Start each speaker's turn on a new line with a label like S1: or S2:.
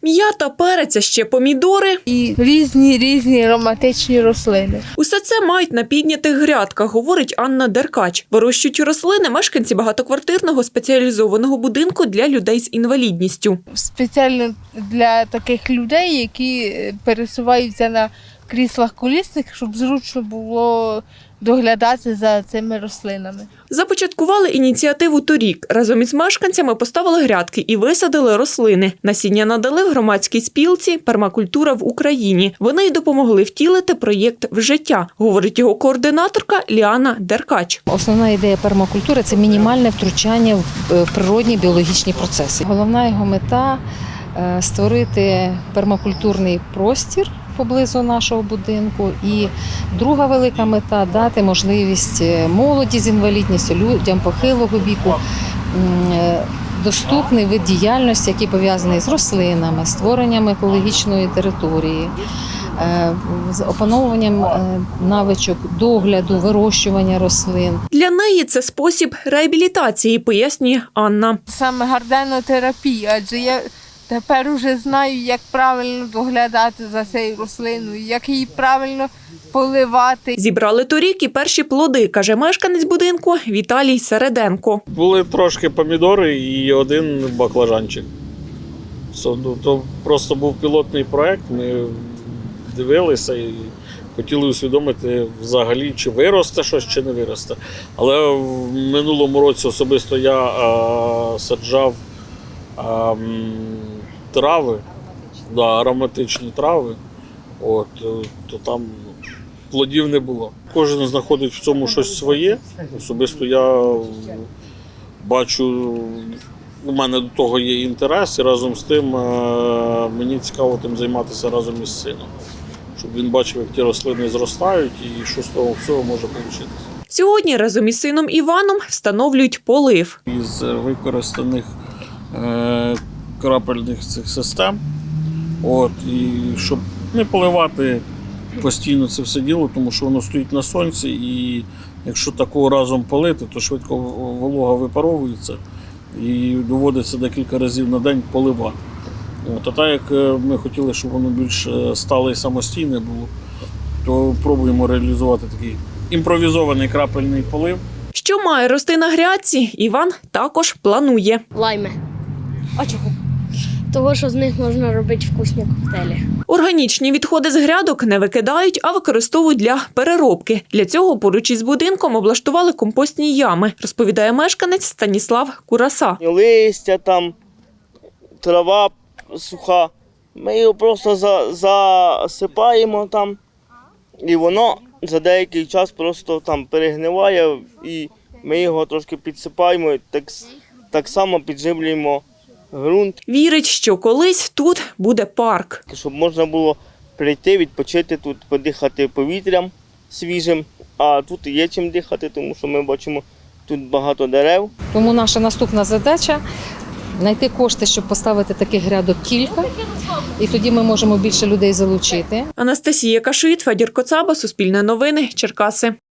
S1: М'ята, перець, а ще помідори.
S2: І різні ароматичні рослини.
S1: Усе це мають на піднятих грядках, говорить Анна Деркач. Вирощують рослини мешканці багатоквартирного спеціалізованого будинку для людей з інвалідністю.
S2: Спеціально для таких людей, які пересуваються на кріслах колісних, щоб зручно було доглядати за цими рослинами.
S1: Започаткували ініціативу торік. Разом із мешканцями поставили грядки і висадили рослини. Насіння надали в громадській спілці «Пермакультура в Україні». Вони й допомогли втілити проєкт в життя, говорить його координаторка Ліана Деркач.
S3: Основна ідея пермакультури – це мінімальне втручання в природні біологічні процеси. Головна його мета – створити пермакультурний простір поблизу нашого будинку. І друга велика мета – дати можливість молоді з інвалідністю, людям похилого віку, доступний вид діяльності, який пов'язаний з рослинами, створенням екологічної території, з опановуванням навичок догляду, вирощування рослин.
S1: Для неї це спосіб реабілітації, пояснює Анна.
S2: Саме гарденотерапія, адже я тепер вже знаю, як правильно доглядати за цією рослиною, як її правильно поливати.
S1: Зібрали торік і перші плоди, каже мешканець будинку Віталій Середенко.
S4: Були трошки помідори і один баклажанчик. То просто був пілотний проєкт, ми дивилися і хотіли усвідомити взагалі, чи виросте щось, чи не виросте. Але в минулому році особисто я саджав трави, ароматичні трави, то там плодів не було. Кожен знаходить в цьому щось своє. Особисто я бачу, у мене до того є інтерес, і разом з тим мені цікаво тим займатися разом із сином, щоб він бачив, як ті рослини зростають і що з того всього може вийти.
S1: Сьогодні разом із сином Іваном встановлюють полив.
S4: Із використаних крапельних цих систем, і щоб не поливати постійно це все діло, тому що воно стоїть на сонці, і якщо такого разом полити, то швидко волога випаровується і доводиться декілька разів на день поливати. А так як ми хотіли, щоб воно більш стале і самостійне було, то пробуємо реалізувати такий імпровізований крапельний полив.
S1: Що має рости на грядці, Іван також планує.
S5: Лайми.
S3: А чого?
S5: Того, що з них можна робити вкусні коктейлі.
S1: Органічні відходи з грядок не викидають, а використовують для переробки. Для цього поруч із будинком облаштували компостні ями, розповідає мешканець Станіслав Кураса.
S6: Листя там, трава суха. Ми його просто засипаємо там, і воно за деякий час просто там перегниває, і ми його трошки підсипаємо, і так само підживлюємо ґрунт.
S1: Вірить, що колись тут буде парк.
S6: Щоб можна було прийти, відпочити тут, подихати повітрям свіжим, а тут є чим дихати, тому що ми бачимо тут багато дерев.
S3: Тому наша наступна задача – знайти кошти, щоб поставити таких грядок кілька, і тоді ми можемо більше людей залучити.
S1: Анастасія Кашит, Федір Коцаба, Суспільне новини, Черкаси.